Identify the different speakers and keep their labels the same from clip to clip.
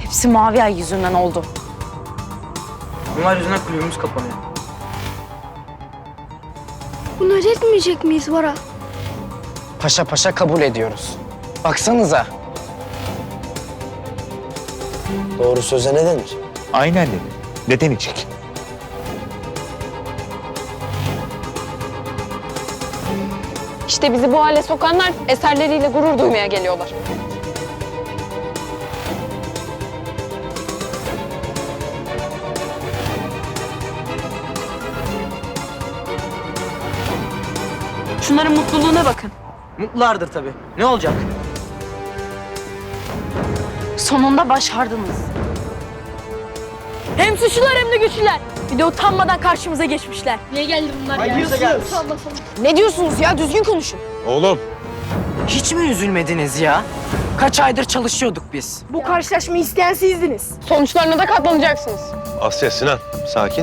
Speaker 1: Hepsi Mavi Ay yüzünden oldu.
Speaker 2: Bunlar yüzünden kulübümüz kapanıyor.
Speaker 3: Bunları etmeyecek miyiz Bora?
Speaker 4: Paşa paşa kabul ediyoruz. Baksanıza.
Speaker 5: Doğru söze ne denir?
Speaker 6: Aynen dedi. Neden içik?
Speaker 7: İşte bizi bu hale sokanlar eserleriyle gurur duymaya geliyorlar.
Speaker 1: Şunların mutluluğuna bakın.
Speaker 2: Mutlulardır tabii. Ne olacak?
Speaker 1: Sonunda başardınız.
Speaker 3: Hem suçlular hem de güçlüler. Bir de utanmadan karşımıza geçmişler. Niye geldi bunlar ya?
Speaker 1: Ne diyorsunuz ya? Düzgün konuşun.
Speaker 6: Oğlum.
Speaker 4: Hiç mi üzülmediniz ya? Kaç aydır çalışıyorduk biz.
Speaker 3: Bu karşılaşmayı isteyen sizdiniz.
Speaker 7: Sonuçlarına da katlanacaksınız.
Speaker 5: Asya, Sinan, sakin.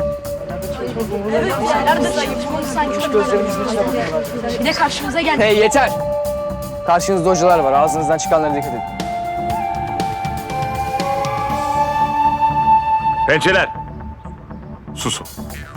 Speaker 3: Bir de karşımıza geldi.
Speaker 4: Hey yeter. Karşınızda hocalar var. Ağzınızdan çıkanlara dikkat edin.
Speaker 6: Pençeler. Susun.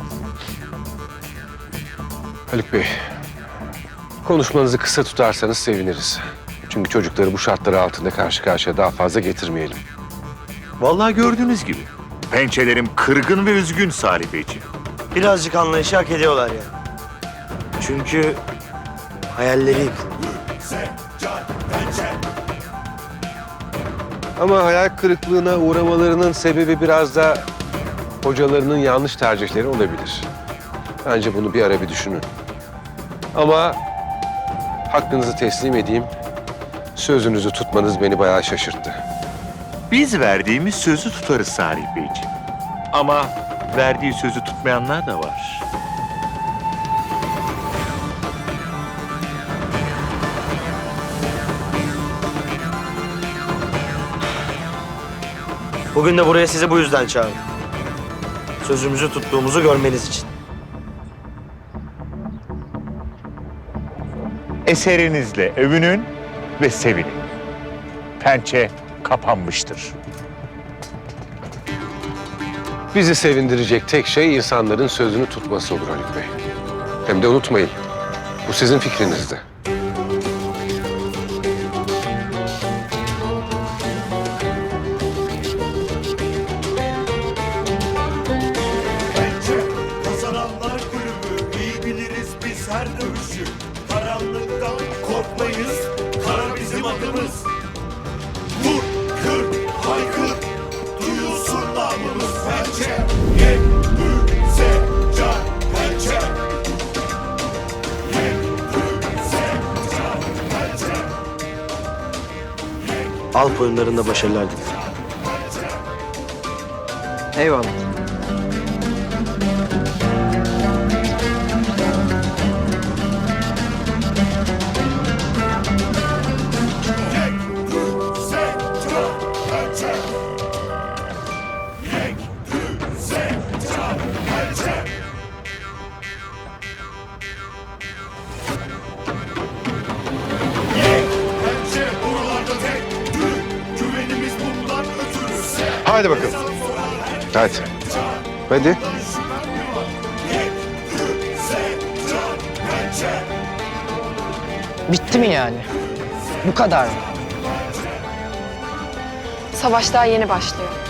Speaker 8: Haluk Bey, konuşmanızı kısa tutarsanız seviniriz. Çünkü çocukları bu şartlar altında karşı karşıya daha fazla getirmeyelim.
Speaker 6: Vallahi gördüğünüz gibi. Pençelerim kırgın ve üzgün Salih Beyciğim.
Speaker 5: Birazcık anlayışı hak ediyorlar ya. Çünkü hayalleri yıkıldı.
Speaker 8: Ama hayal kırıklığına uğramalarının sebebi biraz da hocalarının yanlış tercihleri olabilir. Bence bunu bir ara bir düşünün. Ama hakkınızı teslim edeyim. Sözünüzü tutmanız beni bayağı şaşırttı.
Speaker 6: Biz verdiğimiz sözü tutarız Salih Beyciğim. Ama verdiği sözü tutmayanlar da var.
Speaker 5: Bugün de buraya sizi bu yüzden çağırdım. Sözümüzü tuttuğumuzu görmeniz için.
Speaker 6: Eserinizle övünün ve sevinin. Pençe kapanmıştır.
Speaker 8: Bizi sevindirecek tek şey insanların sözünü tutması olur Haluk Bey. Hem de unutmayın, bu sizin fikrinizdi.
Speaker 9: Kazananlar kulübü, iyi biliriz biz her dövüşü. Karanlıktan korkmayız, kara bizim adımız. Vur, kır, haykır, duyulsun namımız pençe. Yek, büze, can, pençe. Yek, büze, can, pençe.
Speaker 5: Alp oyunlarında başarılar dilerim.
Speaker 4: Eyvallah.
Speaker 9: Büze, can, pençe. Yek, büze, can, pençe. Yek, pençe buralarda tek. Güvenimiz bundan ötürü.
Speaker 8: Hadi bakalım. Hadi. Hadi.
Speaker 4: Bitti mi yani? Bu kadar mı?
Speaker 7: Savaş daha yeni başlıyor.